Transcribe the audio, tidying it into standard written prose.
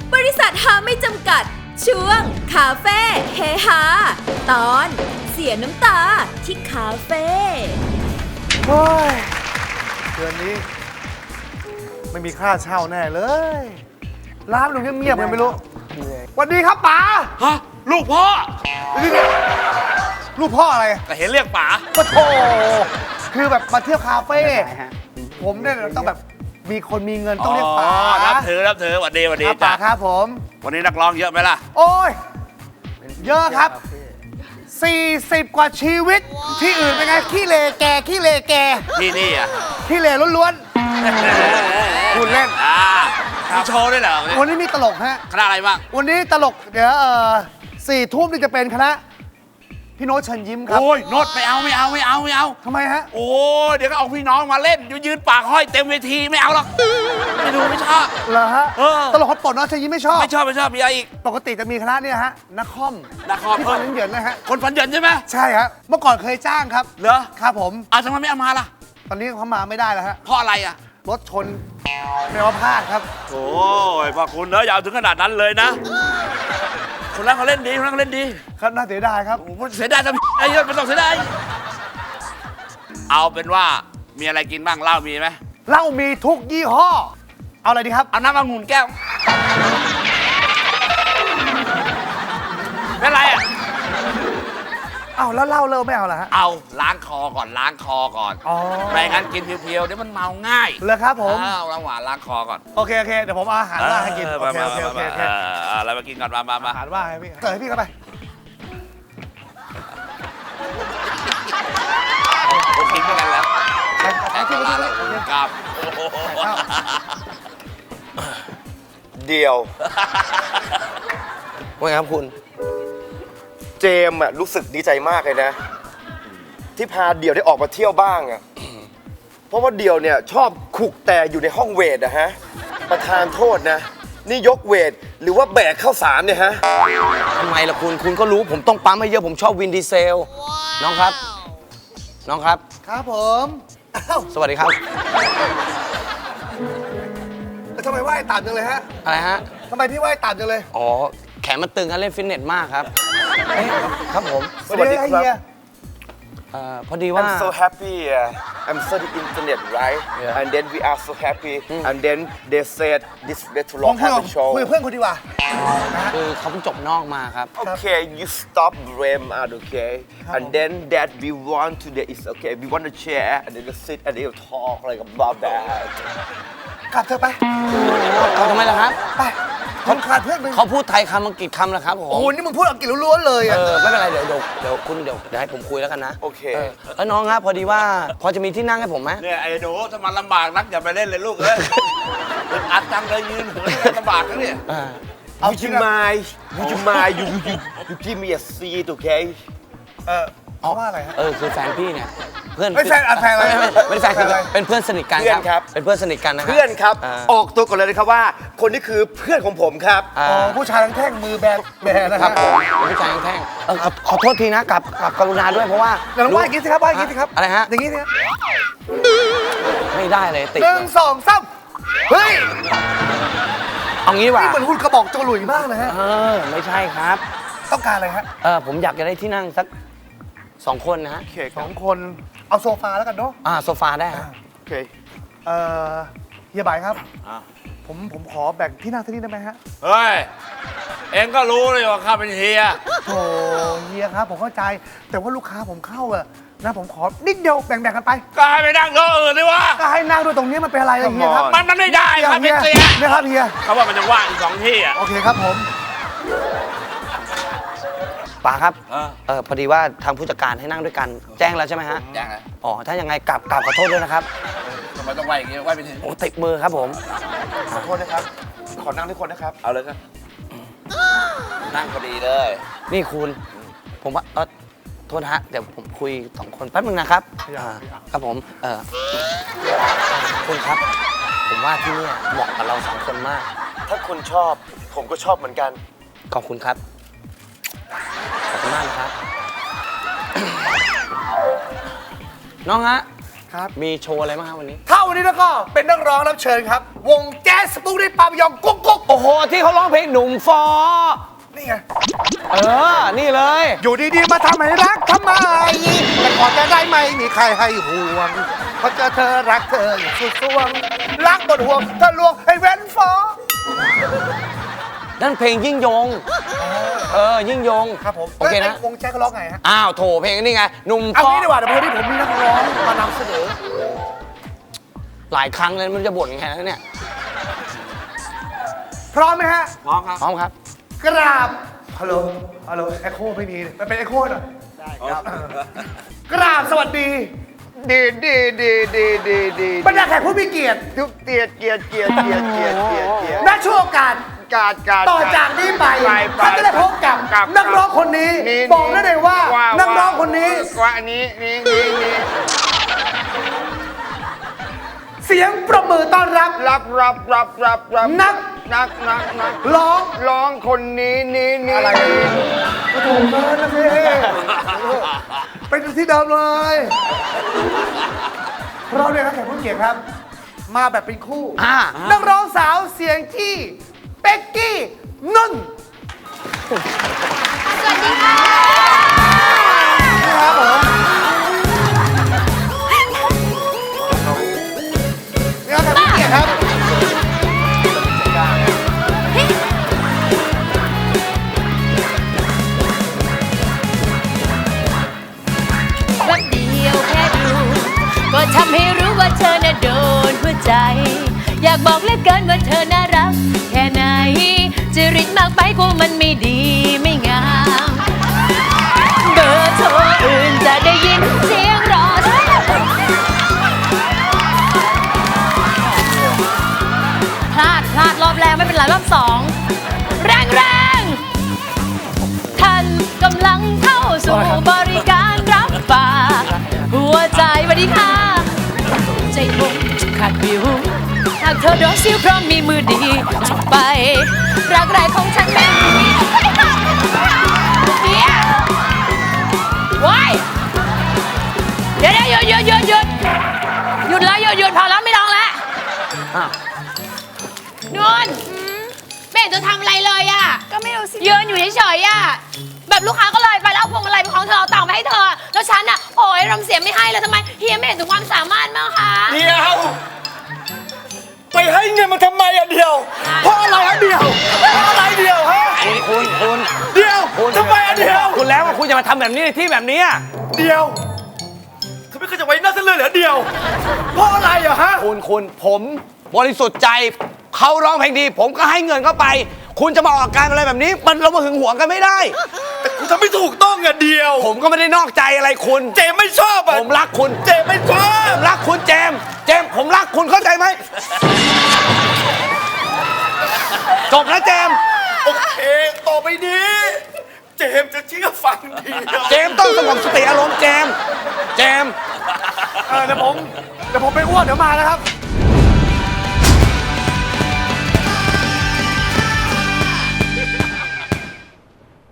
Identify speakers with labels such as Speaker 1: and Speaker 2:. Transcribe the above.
Speaker 1: บริษัทฮาไม่จำกัดช่วงคาเฟ่เฮฮาตอนเสียน้ำตาที่คาเฟ่
Speaker 2: โอ้ยเดือนนี้ไม่มีค่าเช่าแน่เลยร้านมันเงียบๆยังไม่รู้สวัสดีครับป๋า
Speaker 3: ฮะลูกพ่อ
Speaker 2: ลูกพ่ออะไร
Speaker 3: แต่เห็นเรียกป๋า
Speaker 2: ปะโถคือแบบมาเที่ยวคาเฟ่ผมเนี่ยต้องแบบมีคนมีเงินต้องเรียกป๋า
Speaker 3: นับถือหวัดดี
Speaker 2: ครับป๋า
Speaker 3: จ้ะ
Speaker 2: ครับผม
Speaker 3: วันนี้นักร้องเยอะไหมล่ะ
Speaker 2: โอ้ยเยอะครับ40 กว่าชีวิตที่อื่นเป็นไงขี้เลแกขี้เลแก
Speaker 3: ที่นี่อ่ะ
Speaker 2: ขี้เลล้วนๆคุณเล่น
Speaker 3: มีโชว์ด้วยเหรอ
Speaker 2: วันนี้มีตลกฮะ
Speaker 3: คณะอะไรบ้าง
Speaker 2: วันนี้ตลกเดี๋ยว4 ทุ่มนี่จะเป็นคณะพี่โน้ตเชิญยิ้มครับ
Speaker 3: โอ้ยโนดไม่เอา
Speaker 2: ทำไมฮะ
Speaker 3: โอ้ยเดี๋ยวก็เอาพี่น้องมาเล่นยืนปากห้อยเต็มเวทีไม่เอาหรอกไม่ดูไม่ชอบ
Speaker 2: เหรอฮะ
Speaker 3: เออ
Speaker 2: ตลกคนโปรดโน้ตเชิญยิ้มไม่ชอบ
Speaker 3: ไม่ชอบมีอะไรอีก
Speaker 2: ปกติจะมีคณะเนี่ยฮะนักคอม
Speaker 3: นักคอม
Speaker 2: ที่ฟันเหยินๆนะฮะ
Speaker 3: คนฝันเหยินใช่ไหม
Speaker 2: ใช่ฮะเมื่อก่อนเคยจ้างครับ
Speaker 3: เหรอ
Speaker 2: ครับผม
Speaker 3: ทำไมไม่เอามาล่ะ
Speaker 2: ตอนนี้เขามาไม่ได้แล้วฮะ
Speaker 3: เพราะอะไรอ่ะ
Speaker 2: รถชนไม่ว่าพลาดครับ
Speaker 3: โอ้ยพ่อคุณเนอะอย่าเอาถึงขนาดนั้นเลยนะคนนั้นเขาเล่นดี
Speaker 2: ครับน่าเสียดายครับ
Speaker 3: โอ้โหเสียดายทำไอ้เหี้ยไม่ต้องเสียดายเอาเป็นว่ามีอะไรกินบ้างเหล้ามีไหม
Speaker 2: เหล้ามีทุกยี่ห้อ เอาอะไรดีครับ
Speaker 3: เอาน้ำองุ่นแก้วเป็นไรอ่ะ
Speaker 2: เอาแล้วเหล้าเลิกไม่เอาเหรอฮะ
Speaker 3: เอาล้างคอก่อน
Speaker 2: อ๋อ
Speaker 3: ไม่งั้นกินเพียวๆเดี๋ยวมันเมาง่าย
Speaker 2: เลยครับผม
Speaker 3: เอาล้างหวานล้างคอก่อน
Speaker 2: โอเคเดี๋ยวผมเอาอาหารว่างให้กินโอเค
Speaker 3: อะไรมากินก่อนมา
Speaker 2: อาหารว่างให้พี่เสิร์ฟให้พี่เข้าไป
Speaker 3: ผมกินด้วยกันแล้ว
Speaker 2: ให้พี่เข้าไป
Speaker 3: ครับ
Speaker 4: เดียวว่าไงครับคุณ เจมส์อะรู้สึกดีใจมากเลยนะ ที่พาเดี่ยวได้ออกมาเที่ยวบ้างอะเพราะว่าเดี่ยวเนี่ยชอบขุกแต่อยู่ในห้องเวทอะฮะ ประธานโทษนะ นี่ยกเวทหรือว่าแบกข้าวสารเนี่ยฮะ
Speaker 5: ทำไมล่ะคุณก็รู้ผมต้องปั๊มให้เยอะผมชอบวินดีเซล น้องครับ
Speaker 2: ครับผมอ้าว
Speaker 5: สวัสดีครับ
Speaker 2: แล้วทำไมไหว้ต่ำจังเลยฮะ
Speaker 5: อะไรฮะ
Speaker 2: ทำไมพี่ไหว้ต่ำจังเลย
Speaker 5: อ๋อ แขนมันตึงครับเล่นฟิตเนสมากครับเอ๊ะครับผม
Speaker 4: สวัสดีครับ
Speaker 2: เฮีย
Speaker 5: พอดีว่า
Speaker 4: I'm so happy I'm studying internet right
Speaker 5: Yeah.
Speaker 4: and then we are so happy and then they said this
Speaker 2: ผม
Speaker 4: restaurant
Speaker 2: คุย
Speaker 4: have
Speaker 2: กับ
Speaker 4: a show
Speaker 2: คุยกับเพื่อนคุณดีกว่า
Speaker 5: คือเขาเพิ่งจบนอกมาครับ
Speaker 4: Okay, you stop blame out, okay? And then that we want to that is okay. We want to share and then sit and then talk like about that.
Speaker 2: กลับเถอะไป
Speaker 5: เขาทำไมล่ะครับ
Speaker 2: ไปผมขาดเพื่อนมึง
Speaker 5: เขาพูดไทยคำอังกฤษคำแล้วครับผม
Speaker 2: โอ้โหนี่มึงพูดอังกฤษล้วนๆเลยอะ
Speaker 5: ไม่เป็นไรเดี๋ยวคุณเดี๋ยวให้ผมคุยแล้วกันนะ
Speaker 4: โอเค
Speaker 5: แล้วน้องครับพอดีว่าพอจะมีที่นั่งให้ผมไหม
Speaker 3: เนี่ยไอ้หนูถ้ามันลำบากนักอย่าไปเล่นเลยลูกเอ้ยอัดจังเลยยืนเหินลำบากนะเนี่ย
Speaker 4: Would you mind? Would you mind? You give me a seat, okay?
Speaker 2: เพราะว่าอะไรฮะ
Speaker 5: คือแฟนพี่เนี่ยเพื่อน
Speaker 2: ไม่แฟนอะไร
Speaker 5: ไม่แฟนคือเป็นเพื่อนสนิทกัน
Speaker 4: เพื่อนครับ
Speaker 5: เป็นเพื่อนสนิทกันนะ
Speaker 4: เพื่อนครับ
Speaker 5: อ่า
Speaker 4: ออกตัวก่อนเลยนะครับว่า คนนี้คือเพื่อนของผมครับ
Speaker 5: อ่า
Speaker 2: อ๋อผู้ชายทั้งแท่งมือแบนะ
Speaker 5: ค
Speaker 2: ค
Speaker 5: รั
Speaker 2: รั
Speaker 5: บบ ผมเป็นผู้ชายแท่งขอโทษทีนะกับกรุณาด้วยเพราะว่า
Speaker 2: เดี๋ยวลองไหว้อย่างนี้สิครับไหว้อย่างนี้สิครับ
Speaker 5: อะไรฮะ
Speaker 2: อย่างนี้สิครับ
Speaker 5: ไม่ได้เลยติด
Speaker 2: หนึ่งสองสามเฮ้ย
Speaker 5: เอางี้ดีกว่า
Speaker 2: นี่เหมือนหุ่นกระบอกจงหลุยมากเลยฮะ
Speaker 5: ไม่ใช่ครับ
Speaker 2: ต้องการอะไรฮะ
Speaker 5: ผมอยากจะได้ที่นั่งสัก2 คนนะฮะ
Speaker 4: โอเคค
Speaker 2: ส
Speaker 4: รั
Speaker 2: อบ งคนเอาโซฟาแล้วกันเนาะ
Speaker 5: โซฟาได้ฮะ
Speaker 4: โอเค
Speaker 2: เฮียบายครับ
Speaker 3: อ่ะ
Speaker 2: ผมขอแบ่งที่นั่งที่นี่ได้ไหมฮะ
Speaker 3: เฮ้ย เองก็รู้เลยว่าข้าเป็นเฮีย
Speaker 2: โอ้เฮียครับผมเข้าใจ แต่ว่าลูกค้าผมเข้าอะนะผมขอนิดเดียวแบ่งกันไป
Speaker 3: ก็ให้ไปนั่งโต๊ะอื่นดีวะ
Speaker 2: ก็ให้นั่งด้วยตรงนี้มันเป็นอะไรอะเฮียครับ
Speaker 3: มันไม่ได้ครับเป็นเสีย
Speaker 2: เนี่ยครับเฮีย
Speaker 3: เขาว่ามันจะว่างอีก2 ที่อ่ะ
Speaker 2: โอเคครับผม
Speaker 5: ป๋าครับ
Speaker 3: เออ
Speaker 5: พอดีว่าทางผู้จัดการให้นั่งด้วยกันแจ้งแล้วใช่ไหมฮะ
Speaker 3: แจ้งเลย
Speaker 5: อ๋อถ้ายังไงกลับขอโทษด้วยนะครับ
Speaker 3: ทำไมต้องไหวอย่างงี้ไหวไปถึง
Speaker 5: โอ้ติดมือครับผม
Speaker 4: ขอโทษนะครับ ขอนั่งด้วยคนนะครับ
Speaker 3: เอาเลยครับนั่งพอดีเลย
Speaker 5: นี่คุณผมว่าโทษนะฮะเดี๋ยวผมคุย2 คนแป๊บนึงนะครับครับผมคุณครับ ผมว่าที่เนี่ยเหมาะกับเรา2 คนมาก
Speaker 4: ถ้าคุณชอบ ผมก็ชอบเหมือนกัน
Speaker 5: ขอบคุณครับ ขอบคุณมากนะครับ น้องฮะ
Speaker 2: ครับ
Speaker 5: มีโชว์อะไรบ้างครับวันนี้
Speaker 2: ถ้าวันนี้แล้วก็เป็นนักร้องรับเชิญครับ วงแจ๊สสปุกนิกปาปิยองกุ๊กกุ๊ก
Speaker 5: โอ้โห ที่เขาร้องเพลงหนุ่มฟอ
Speaker 2: นี่ไง
Speaker 5: นี่เลย
Speaker 2: อยู่ดีๆมาทำให้รักทำไมแต่ก่อนจะได้ไหมมีใครให้ห่วงเพราะเจอเธอรักเธออย่างสุดสวงรักบนห่วงเธอลวงให้เว้นฟอ
Speaker 5: นั่นเพลงยิ่งยง ยิ่งยง
Speaker 2: ครับผม
Speaker 5: โอเคนะ
Speaker 2: แล้ววงแจ๊สเขาร้องไงฮะ
Speaker 5: อ้าวโถเพลงนี่ไง หนุ่ม
Speaker 2: เอา
Speaker 5: ฟอ
Speaker 2: งี้ดีกว่าเดี๋ยววันนี้ผมมีนักร้องมานำเสนอ
Speaker 5: หลายครั้งเลยมันจะบ่นแค่นั้นเนี่ย
Speaker 2: พร้อมไหมฮะ
Speaker 3: พร้อมครับ
Speaker 5: พร้อมครับ
Speaker 2: กราบฮัลโหลเอ็โคไม่มีมันเป็นเอ็โคหน่อยได้ครับกราบสวัสดี
Speaker 4: ดี
Speaker 2: บรรดาแขกผู้มีเกียรติ
Speaker 4: ทุกเกียรติ
Speaker 2: ณช่วงโอกาส
Speaker 4: การ
Speaker 2: ต่อจากนี้ไป
Speaker 4: ไป
Speaker 2: ท่านจะได้พบกับ
Speaker 4: กับ
Speaker 2: นักร้องคนนี้
Speaker 4: นี่
Speaker 2: บอกได้เลยว่า นักร้องคนนี้
Speaker 4: ว่าอันนี้นี่
Speaker 2: เสียงประมือต้อนรับ
Speaker 4: รับ
Speaker 2: นัก ร้อง
Speaker 4: คนนี้นี่
Speaker 2: อะไรก็ถูกเกินนะพี่เป็นที่เดิมเลยเพราะเนี่ยครับแขกผู้เกียรติครับ มาแบบเป็นคู่ นักร้องสาวเสียงที่เป็กกี้นุ่น
Speaker 1: สวัสดีค่ะ
Speaker 2: นี่ครับผมนี่ครับแขกผู้เกียรติครับ
Speaker 1: แป๊บเดียวแค่ดูก็ทำให้รู้ว่าเธอน่ะโดนหัวใจ อยากบอกเหลือเกินว่าเธอน่ารักแค่ไหนจริตมากไปกูมันไม่ดีไม่งามเบอร์โทรอื่นจะได้ยินเสียงรอพลาดรอบแรกไม่เป็นไรรอบสองแรงท่านกำลังเข้าสู่บริการรับฝากหัวใจสวัสดีค่ะ ใจผมขาดวิวหากเธอโดนซิวเพราะมีมือดีจะไป รักแรกของฉันไม่มีว้ายเดี๋ยวหยุดแล้วหยุดพอแล้วไม่ร้องแล้วนวลไม่เห็นจะทำอะไรเลยอ่ะก็ไม่รู้สิยืนอยู่เฉยๆอ่ะแบบลูกค้าก็เลยไปแล้วเอาพวงมาลัยเป็นของเธอเอาตังค์ไปให้เธอแล้วฉันอ่ะโอ้ยรำเสียงไม่ให้เลยทำไมเฮียไม่เห็นถึงความสามารถมั้งคะ
Speaker 4: เดียวไปให้เงินมันทำไมอะเดียวเพราะอะไรอะเดียวเพราะอะไรเดียวฮะ
Speaker 5: คุณ
Speaker 4: เดียวทำไมอะเดียว
Speaker 5: คุณแล้วว่าคุณจะมาทำแบบนี้ในที่แบบนี้อะ
Speaker 4: เดียวเธอไม่เคยจะไว้หน้าเส้นเลยเหรอเดียวเพราะอะไรอะฮะ
Speaker 5: คุณผมบริสุทธิ์ใจเขาร้องเพลงดี ผมก็ให้เงินเข้าไป คุณจะมาออกอาการอะไรแบบนี้ มันเรามาหึงหวงกันไม่ได้
Speaker 4: แต่คุณทำไม่ถูกต้องอะเดียว
Speaker 5: ผมก็ไม่ได้นอกใจอะไรคุณ
Speaker 4: เจมไม่ชอบอะ
Speaker 5: ผมรักคุณ
Speaker 4: เจมไม่ชอบ
Speaker 5: ผมรักคุณเจมส์ผมรักคุณเข้าใจไหมจบนะเจมส์
Speaker 4: โอเคต่อไปนี้ เจมจะเชื่อฟังเดียว
Speaker 5: เจมส์ต้องสงบสติอารมณ์เจมส์
Speaker 2: เดี๋ยวผมไปอ้วนเดี๋ยวมานะครับ